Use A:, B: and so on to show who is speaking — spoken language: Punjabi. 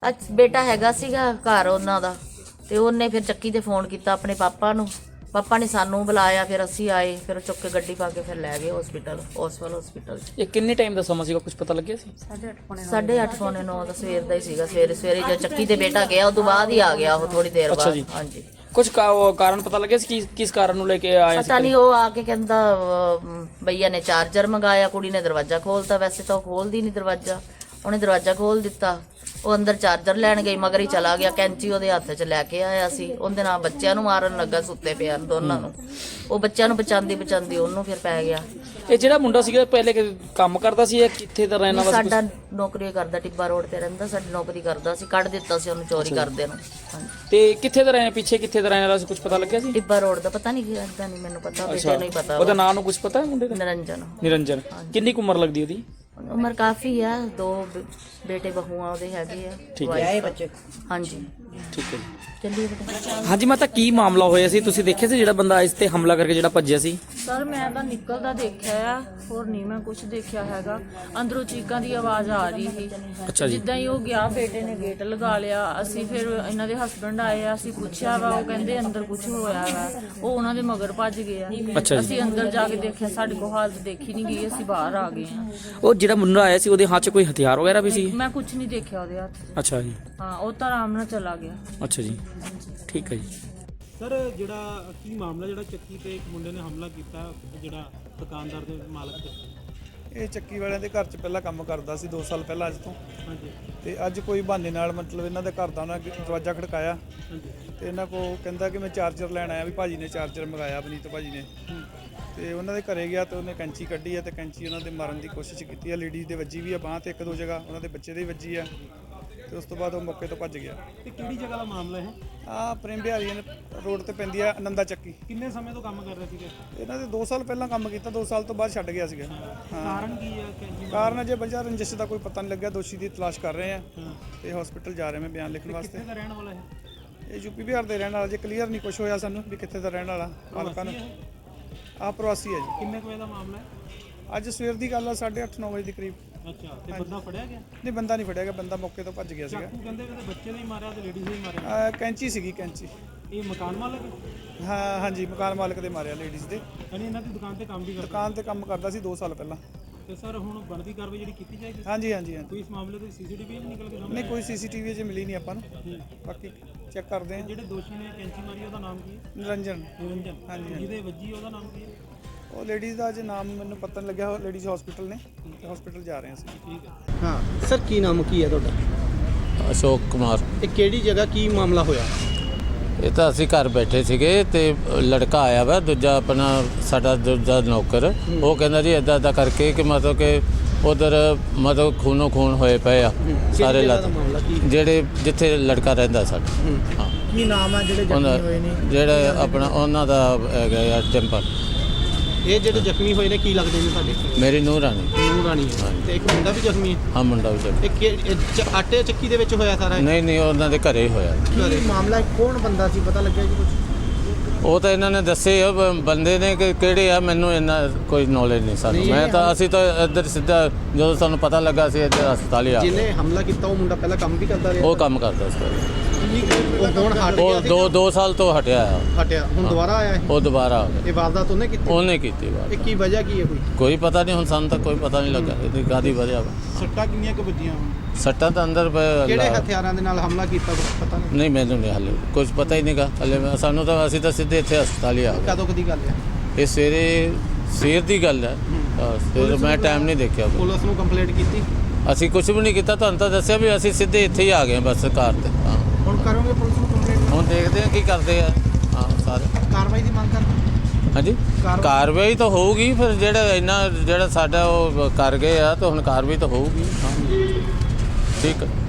A: ਅੱਜ ਬੇਟਾ ਹੈਗਾ ਸੀਗਾ ਘਰ ਉਹਨਾਂ ਦਾ ਤੇ ਉਹਨੇ ਫਿਰ ਚੱਕੀ ਤੇ ਫੋਨ ਕੀਤਾ ਆਪਣੇ ਪਾਪਾ ਨੂੰ। ਪਾਪਾ ਨੇ ਸਾਨੂੰ ਬੁਲਾਇਆ, ਫਿਰ ਅਸੀਂ ਆਏ, ਫਿਰ ਚੁੱਕ ਕੇ ਗੱਡੀ ਪਾ ਕੇ ਫਿਰ ਲੈ ਗਏ ਹਸਪੀਟਲ।
B: ਇਹ ਕਿੰਨੇ ਟਾਈਮ ਦਾ ਸਮਾਂ ਸੀਗਾ, ਕੁਝ ਪਤਾ ਲੱਗਿਆ ਸੀ?
A: 8:30 ਪੌਣੇ 9 ਦਾ ਸਵੇਰ ਦਾ ਹੀ ਸੀਗਾ। ਸਵੇਰੇ ਜਦ ਚੱਕੀ ਤੇ ਬੇਟਾ ਗਿਆ ਉਹ ਤੋਂ ਬਾਅਦ ਹੀ ਆ ਗਿਆ, ਉਹ ਥੋੜੀ ਦੇਰ ਬਾਅਦ। ਹਾਂਜੀ,
B: ਕੁਝ ਕਾਰਨ ਪਤਾ ਲੱਗਿਆ ਸੀ ਕਿਸ ਕਾਰਨ ਨੂੰ ਲੈ ਕੇ ਆਇਆ ਸੀ?
A: ਪਤਾ ਨਹੀਂ, ਉਹ ਆ ਕੇ ਕਹਿੰਦਾ ਭਈਆ ਨੇ ਚਾਰਜਰ ਮੰਗਾਇਆ, ਕੁੜੀ ਨੇ ਦਰਵਾਜ਼ਾ ਖੋਲਤਾ। ਵੈਸੇ ਤਾਂ ਉਹ ਖੋਲਦੀ ਨਹੀਂ ਦਰਵਾਜ਼ਾ, ਉਹਨੇ ਦਰਵਾਜ਼ਾ ਖੋਲ ਦਿੱਤਾ। ਉਹ ਅੰਦਰ ਚਾਰਜਰ ਲੈਣ ਗਈ, ਮਗਰ ਹੀ ਚਲਾ ਗਿਆ। ਕੈਂਚੀ ਉਹਦੇ ਹੱਥ 'ਚ ਲੈ ਕੇ ਆਇਆ ਸੀ। ਉਹਦੇ ਨਾਲ ਬੱਚਿਆਂ ਨੂੰ ਮਾਰਨ ਲੱਗਾ, ਸੁੱਤੇ ਪਿਆ ਦੋਨਾਂ ਨੂੰ। ਉਹ ਬੱਚਿਆਂ ਨੂੰ ਬਚਾਉਂਦੀ ਉਹਨੂੰ ਫਿਰ ਪੈ ਗਿਆ।
B: ਇਹ ਜਿਹੜਾ ਮੁੰਡਾ ਸੀਗਾ ਪਹਿਲੇ ਕੰਮ ਕਰਦਾ ਸੀ ਜਾਂ ਕਿੱਥੇ ਦਾ ਰਹਿਣ ਵਾਲਾ ਸੀ?
A: ਸਾਡਾ ਨੌਕਰੀ ਕਰਦਾ, ਟਿੱਬਾ ਰੋਡ ਤੇ ਰਹਿੰਦਾ। ਸਾਡੀ ਨੌਕਰੀ ਕਰਦਾ ਸੀ, ਕੱਢ ਦਿੱਤਾ ਸੀ ਉਹਨੂੰ ਚੋਰੀ ਕਰਦੇ ਨੂੰ। ਹਾਂਜੀ।
B: ਤੇ ਕਿੱਥੇ ਦਾ ਪਿੱਛੇ ਕਿੱਥੇ ਦਾ ਰਹਿਣ ਵਾਲਾ ਸੀ, ਕੁਝ ਪਤਾ ਲੱਗਿਆ ਸੀ?
A: ਟਿੱਬਾ ਰੋਡ ਦਾ ਪਤਾ ਨਹੀਂ, ਇਦਾਂ ਨਹੀਂ ਮੈਨੂੰ ਪਤਾ, ਬੇਟੇ ਨੂੰ ਹੀ ਪਤਾ।
B: ਉਹਦਾ ਨਾਮ ਨੂੰ ਕੁਝ ਪਤਾ ਹੈ ਮੁੰਡੇ ਦਾ?
A: ਨਿਰੰਜਨ।
B: ਕਿੰਨੀ ਕੁ ਉਮਰ ਲੱਗਦੀ ਉਹਦੀ?
A: ਉਮਰ ਕਾਫੀ ਆ, 2 ਬੇਟੇ ਬਹੂਆਂ ਉਹਦੇ ਹੈਗੇ ਆ।
B: ਠੀਕ ਹੈ
A: ਬੱਚੇ। ਹਾਂਜੀ,
B: ਠੀਕ ਹੈ।
A: ਚੱਲੀਏ ਬੇਟਾ।
B: ਹਾਂਜੀ ਮਾਤਾ, ਕੀ ਮਾਮਲਾ ਹੋਇਆ ਸੀ? ਤੁਸੀਂ ਦੇਖਿਆ ਸੀ ਜਿਹੜਾ ਬੰਦਾ ਇਸ ਤੇ ਹਮਲਾ ਕਰਕੇ ਜਿਹੜਾ ਭੱਜਿਆ ਸੀ?
C: ਸਰ ਮੈਂ ਤਾਂ ਨਿਕਲਦਾ ਦੇਖਿਆ ਆ, ਹੋਰ ਨਹੀਂ ਮੈਂ ਕੁਝ ਦੇਖਿਆ ਹੈਗਾ। ਅੰਦਰੋਂ ਚੀਕਾਂ ਦੀ ਆਵਾਜ਼ ਆ ਰਹੀ ਸੀ।
B: ਅੱਛਾ ਜੀ।
C: ਜਿੱਦਾਂ ਹੀ ਉਹ ਗਿਆ, ਬੇਟੇ ਨੇ ਗੇਟ ਲਗਾ ਲਿਆ। ਅਸੀਂ ਫਿਰ ਇਹਨਾਂ ਦੇ ਹਸਬੰਡ ਆਏ ਆ, ਅਸੀਂ ਪੁੱਛਿਆ ਵਾ, ਉਹ ਕਹਿੰਦੇ ਅੰਦਰ ਕੁਝ ਹੋਇਆ ਵਾ। ਉਹ ਉਹਨਾਂ ਦੇ ਮਗਰ ਭੱਜ ਗਏ ਆ।
B: ਅੱਛਾ ਜੀ।
C: ਅਸੀਂ ਅੰਦਰ ਜਾ ਕੇ ਦੇਖਿਆ, ਸਾਡੇ ਕੋਲ ਹਾਲਤ ਦੇਖੀ ਨਹੀਂ ਗਈ, ਅਸੀਂ ਬਾਹਰ ਆ ਗਏ ਆ।
B: ਉਹ ਜਿਹੜਾ ਮੁੰਡਾ ਆਇਆ ਸੀ ਉਹਦੇ ਹੱਥ 'ਚ ਕੋਈ ਹਥਿਆਰ ਵਗੈਰਾ ਵੀ ਸੀ?
C: ਮੈਂ ਕੁਝ ਨਹੀਂ ਦੇਖਿਆ ਉਹਦੇ ਹੱਥ।
B: ਅੱਛਾ ਜੀ।
C: ਹਾਂ, ਉਹ ਤਾਂ ਆਰਾਮ ਨਾਲ ਚਲਾ ਗਿਆ।
B: ਅੱਛਾ ਜੀ, ਠੀਕ ਹੈ ਜੀ।
D: ਸਰ ਜਿਹੜਾ ਕੀ ਮਾਮਲਾ ਜਿਹੜਾ ਚੱਕੀ ਤੇ ਇੱਕ ਮੁੰਡੇ ਨੇ ਹਮਲਾ ਕੀਤਾ, ਜਿਹੜਾ ਦੁਕਾਨਦਾਰ ਦੇ ਮਾਲਕ ਤੇ?
E: ਇਹ ਚੱਕੀ ਵਾਲਿਆਂ ਦੇ ਘਰ 'ਚ ਪਹਿਲਾਂ ਕੰਮ ਕਰਦਾ ਸੀ 2 ਸਾਲ ਪਹਿਲਾਂ ਅੱਜ ਤੋਂ।
D: ਹਾਂਜੀ
E: ਤੇ ਅੱਜ ਕੋਈ ਬਹਾਨੇ ਨਾਲ ਮਤਲਬ ਇਹਨਾਂ ਦੇ ਘਰ ਦਾ ਉਹਨਾਂ ਦਰਵਾਜ਼ਾ ਖੜਕਾਇਆ
D: ਹਾਂਜੀ
E: ਤੇ ਇਹਨਾਂ ਕੋ ਕਹਿੰਦਾ ਕਿ ਮੈਂ ਚਾਰਜਰ ਲੈਣ ਆਇਆ, ਵੀ ਭਾਜੀ ਨੇ ਚਾਰਜਰ ਮੰਗਾਇਆ, ਬਨੀਤ ਭਾਜੀ ਨੇ। ਤੇ ਉਹਨਾਂ ਦੇ ਘਰੇ ਗਿਆ ਤੇ ਉਹਨੇ ਕੈਂਚੀ ਕੱਢੀ ਹੈ ਤੇ ਕੈਂਚੀ ਉਹਨਾਂ ਦੇ ਮਾਰਨ ਦੀ ਕੋਸ਼ਿਸ਼ ਕੀਤੀ ਹੈ। ਲੇਡੀਜ਼ ਦੇ ਵੱਜੀ ਵੀ ਆ ਬਾਂਹ ਤੇ 1-2 ਜਗ੍ਹਾ, ਉਹਨਾਂ ਦੇ ਬੱਚੇ ਦੇ ਵੱਜੀ ਆ। ਤੇ ਉਸ ਤੋਂ ਬਾਅਦ ਉਹ ਮੌਕੇ ਤੋਂ ਭੱਜ ਗਿਆ।
D: ਤੇ ਕਿਹੜੀ ਜਗ੍ਹਾ ਦਾ ਮਾਮਲਾ ਹੈ?
E: ਪ੍ਰੇਮ ਬਿਹਾਰੀ ਰੋਡ ਤੇ ਪੈਂਦੀ ਆ ਆਨੰਦਾ ਚੱਕੀ।
D: ਕਿੰਨੇ ਸਮੇਂ ਤੋਂ ਕੰਮ ਕਰ ਰਹੇ ਸੀਗੇ?
E: ਇਹਨਾਂ ਦੇ 2 ਸਾਲ ਪਹਿਲਾਂ ਕੰਮ ਕੀਤਾ, 2 ਸਾਲ ਤੋਂ ਬਾਅਦ ਛੱਡ ਗਿਆ ਸੀਗਾ।
D: ਕਾਰਨ ਕੀ ਹੈ?
E: ਕਾਰਨ ਅਜੇ ਵਜ੍ਹਾ ਰੰਜਿਸ਼ ਦਾ ਕੋਈ ਪਤਾ ਨਹੀਂ ਲੱਗਿਆ। ਦੋਸ਼ੀ ਦੀ ਤਲਾਸ਼ ਕਰ ਰਹੇ ਆ
D: ਹਾਂ।
E: ਤੇ ਹਸਪੀਟਲ ਜਾ ਰਹੇ ਮੈਂ ਬਿਆਨ ਲਿਖਣ ਵਾਸਤੇ।
D: ਕਿੱਥੇ ਦਾ ਰਹਿਣ ਵਾਲਾ ਹੈ?
E: ਇਹ ਯੂਪੀ ਬਿਹਾਰ ਦੇ ਰਹਿਣ ਵਾਲਾ, ਜੇ ਕਲੀਅਰ ਨਹੀਂ ਕੁਝ ਹੋਇਆ ਸਾਨੂੰ ਵੀ ਕਿੱਥੇ ਦਾ ਰਹਿਣ ਵਾਲਾ। ਮਾਲਕਾਂ ਨੂੰ ਪ੍ਰਵਾਸੀ ਹੈ ਜੀ।
D: ਕਿੰਨੇ ਕੁ ਵਜੇ ਦਾ ਮਾਮਲਾ ਹੈ?
E: ਅੱਜ ਸਵੇਰ ਦੀ ਗੱਲ ਆ, 8:30-9 ਵਜੇ ਦੇ ਕਰੀਬ।
D: ਅੱਛਾ, ਤੇ ਬੰਦਾ ਫੜਿਆ ਗਿਆ?
E: ਨਹੀਂ, ਬੰਦਾ ਨਹੀਂ ਫੜਿਆ ਗਿਆ, ਬੰਦਾ ਮੌਕੇ ਤੋਂ ਭੱਜ ਗਿਆ ਸੀਗਾ।
D: ਚਾਕੂ ਕਹਿੰਦੇ ਕਿ ਬੱਚੇ ਨੇ ਹੀ ਮਾਰਿਆ ਤੇ ਲੇਡੀਜ਼ ਨੇ ਹੀ ਮਾਰਿਆ।
E: ਕੈਂਚੀ ਸੀਗੀ, ਕੈਂਚੀ।
D: ਇਹ ਮਕਾਨ ਮਾਲਕ ਹੈ?
E: ਹਾਂਜੀ, ਮਕਾਨ ਮਾਲਕ ਦੇ ਮਾਰਿਆ, ਲੇਡੀਜ਼ ਦੇ।
D: ਯਾਨੀ ਇਹਨਾਂ ਦੀ ਦੁਕਾਨ ਤੇ ਕੰਮ ਵੀ ਕਰਦਾ?
E: ਦੁਕਾਨ ਤੇ ਕੰਮ ਕਰਦਾ ਸੀ 2 ਸਾਲ ਪਹਿਲਾਂ।
D: ਤੇ ਸਰ ਹੁਣ ਬਣਦੀ ਕਾਰਵਾਈ ਜਿਹੜੀ ਕੀਤੀ ਜਾਏਗੀ?
E: ਹਾਂਜੀ ਹਾਂਜੀ ਹਾਂਜੀ।
D: ਕੋਈ ਇਸ ਮਾਮਲੇ ਦੇ ਸੀਸੀਟੀਵੀ ਨਹੀਂ ਨਿਕਲ ਕੇ ਸਾਹਮਣੇ?
E: ਨਹੀਂ, ਕੋਈ ਸੀਸੀਟੀਵੀ 'ਚ ਮਿਲੀ ਨਹੀਂ ਆਪਾਂ ਨੂੰ, ਬਾਕੀ ਚੈੱਕ ਕਰਦੇ ਹਾਂ।
D: ਜਿਹੜੇ ਦੋਸ਼ੀ ਨੇ ਕੈਂਚੀ ਮਾਰੀ ਉਹਦਾ ਨਾਮ ਕੀ ਹੈ?
E: ਨਿਰੰਜਨ।
D: ਹਾਂਜੀ। ਜਿਹਦੇ ਵੱਜੀ ਉਹਦਾ ਨਾਮ ਕੀ ਹੈ?
E: ਉਹ ਲੇਡੀਜ਼ ਦਾ ਅਜੇ ਨਾਮ ਮੈਨੂੰ ਪਤਾ ਨਹੀਂ ਲੱਗਿਆ। ਲੇਡੀਜ਼ ਹਸਪੀਟਲ ਨੇ, ਹਸਪੀਟਲ ਜਾ ਰਹੇ ਹਾਂ ਅਸੀਂ।
D: ਠੀਕ ਹੈ।
F: ਹਾਂ ਸਰ, ਕੀ ਨਾਮ ਕੀ ਹੈ ਤੁਹਾਡਾ?
G: ਅਸ਼ੋਕ ਕੁਮਾਰ।
F: ਇਹ ਕਿਹੜੀ ਜਗ੍ਹਾ ਕੀ ਮਾਮਲਾ ਹੋਇਆ?
G: ਇਹ ਤਾਂ ਅਸੀਂ ਘਰ ਬੈਠੇ ਸੀਗੇ ਤੇ ਲੜਕਾ ਆਇਆ ਵਾ ਦੂਜਾ, ਆਪਣਾ ਸਾਡਾ ਦੂਜਾ ਨੌਕਰ। ਉਹ ਕਹਿੰਦਾ ਜੀ ਇੱਦਾਂ ਇੱਦਾਂ ਕਰਕੇ ਕਿ ਮਤਲਬ ਕਿ ਉਧਰ ਮਤਲਬ ਖੂਨੋ ਖੂਨ ਹੋਏ ਪਏ ਆ ਸਾਰੇ ਲੱਤ, ਜਿਹੜੇ ਜਿੱਥੇ ਲੜਕਾ ਰਹਿੰਦਾ ਸਾਡਾ। ਹਾਂ,
F: ਕੀ ਨਾਮ ਹੈ ਜਿਹੜੇ ਜ਼ਖਮੀ ਹੋਏ ਨੇ?
G: ਜਿਹੜੇ ਆਪਣਾ ਉਹਨਾਂ ਦਾ ਹੈਗਾ ਆ ਟੈਂਪਰ।
F: ਇਹ ਜਿਹੜੇ ਜ਼ਖਮੀ ਹੋਏ ਨੇ ਕੀ ਲੱਗਦੇ ਨੇ ਤੁਹਾਡੇ?
G: ਮੇਰੀ ਨੂੰਹ ਰਾਣੀ।
F: ਨੂੰਹ ਰਾਣੀ ਹੈ। ਤੇ ਇੱਕ ਮੁੰਡਾ ਵੀ ਜ਼ਖਮੀ ਹੈ?
G: ਹਾਂ, ਮੁੰਡਾ ਵੀ ਜਦ।
F: ਇਹ ਆਟੇ ਚੱਕੀ ਦੇ ਵਿੱਚ ਹੋਇਆ ਸਾਰਾ?
G: ਨਹੀਂ, ਉਹਨਾਂ ਦੇ ਘਰੇ ਹੀ ਹੋਇਆ।
F: ਕੀ ਮਾਮਲਾ, ਕੌਣ ਬੰਦਾ ਸੀ, ਪਤਾ ਲੱਗਿਆ ਜੀ ਕੁਝ?
G: ਉਹ ਤਾਂ ਇਹਨਾਂ ਨੇ ਦੱਸੇ ਆ ਬੰਦੇ ਨੇ ਕਿ ਕਿਹੜੇ ਆ, ਮੈਨੂੰ ਇੰਨਾ ਕੋਈ ਨੌਲੇਜ ਨਹੀਂ ਸਾਨੂੰ। ਮੈਂ ਤਾਂ ਅਸੀਂ ਤਾਂ ਇੱਧਰ ਸਿੱਧਾ ਜਦੋਂ ਸਾਨੂੰ ਪਤਾ ਲੱਗਾ ਸੀ ਇੱਧਰ ਹਸਪਤਾਲ ਹੀ ਆ ਗਏ।
F: ਜਿਹਨੇ ਹਮਲਾ ਕੀਤਾ ਉਹ ਮੁੰਡਾ ਪਹਿਲਾਂ ਕੰਮ ਵੀ ਕਰਦਾ ਰਿਹਾ?
G: ਉਹ ਕੰਮ ਕਰਦਾ ਸੀ।
F: ਉਹ ਹੁਣ ਹਟ ਗਿਆ ਸੀ?
G: ਉਹ 2 ਸਾਲ ਤੋਂ ਹਟਿਆ ਆ।
F: ਹਟਿਆ, ਹੁਣ ਦੁਬਾਰਾ ਆਇਆ ਇਹ?
G: ਉਹ ਦੁਬਾਰਾ ਆ ਗਿਆ।
F: ਇਹ ਵਾਰਦਾਤ ਉਹਨੇ ਕੀਤੀ?
G: ਉਹਨੇ ਕੀਤੀ ਵਾਰ।
F: ਇਹ ਕੀ ਵਜ੍ਹਾ ਕੀ ਹੈ
G: ਕੋਈ ਪਤਾ ਨਹੀਂ ਹੁਣ, ਸਾਨੂੰ ਤਾਂ ਕੋਈ ਪਤਾ ਨਹੀਂ ਲੱਗਾ ਇਹਦੀ ਕਾਹਦੀ ਵਜ੍ਹਾ ਵਾ।
E: ਸੱਟਾਂ ਕਿੰਨੀਆਂ ਕੁ ਵੱਜੀਆਂ ਹੁਣ?
G: ਸੱਟਾਂ ਤਾਂ ਅੰਦਰ
F: ਕਿਹੜੇ ਹਥਿਆਰਾਂ ਦੇ ਨਾਲ ਹਮਲਾ ਕੀਤਾ ਕੁਝ ਪਤਾ ਨਹੀਂ?
G: ਨਹੀਂ, ਮੈਨੂੰ ਨਹੀਂ ਹਾਲੇ ਕੁਝ ਪਤਾ ਹੀ ਨਹੀਂਗਾ ਹਲੇ। ਸਾਨੂੰ ਤਾਂ ਅਸੀਂ ਤਾਂ ਸਿੱਧੇ ਇੱਥੇ ਹਸਪਤਾਲ ਹੀ ਆ ਗਏ।
F: ਕਦੋਂ ਕਦੀ ਗੱਲ ਹੈ
G: ਇਹ ਸਵੇਰ ਦੀ ਗੱਲ ਹੈ। ਸਵੇਰ ਮੈਂ ਟਾਈਮ ਨਹੀਂ ਦੇਖਿਆ।
F: ਪੁਲਿਸ ਨੂੰ ਕੰਪਲੇਂਟ ਕੀਤੀ?
G: ਅਸੀਂ ਕੁਝ ਵੀ ਨਹੀਂ ਕੀਤਾ, ਤੁਹਾਨੂੰ ਤਾਂ ਦੱਸਿਆ ਵੀ ਅਸੀਂ ਸਿੱਧੇ ਇੱਥੇ ਹੀ ਆ ਗਏ ਬਸ ਕਾਰ ਤੇ। ਹਾਂ,
F: ਹੁਣ ਕਰੋਗੇ ਪੁਲਿਸ ਨੂੰ ਕੰਪਲੇਂਟ?
G: ਹੁਣ ਦੇਖਦੇ ਹਾਂ ਕੀ ਕਰਦੇ ਆ। ਹਾਂ, ਸਾਰੇ
F: ਕਾਰਵਾਈ ਦੀ ਮੰਗ ਕਰਦੇ?
G: ਹਾਂਜੀ, ਕਾਰਵਾਈ ਤਾਂ ਹੋਊਗੀ ਫਿਰ। ਜਿਹੜਾ ਸਾਡਾ ਉਹ ਕਰ ਗਏ ਆ ਤਾਂ ਹੁਣ ਕਾਰਵਾਈ ਤਾਂ ਹੋਊਗੀ। ਹਾਂ, ਠੀਕ ਹੈ।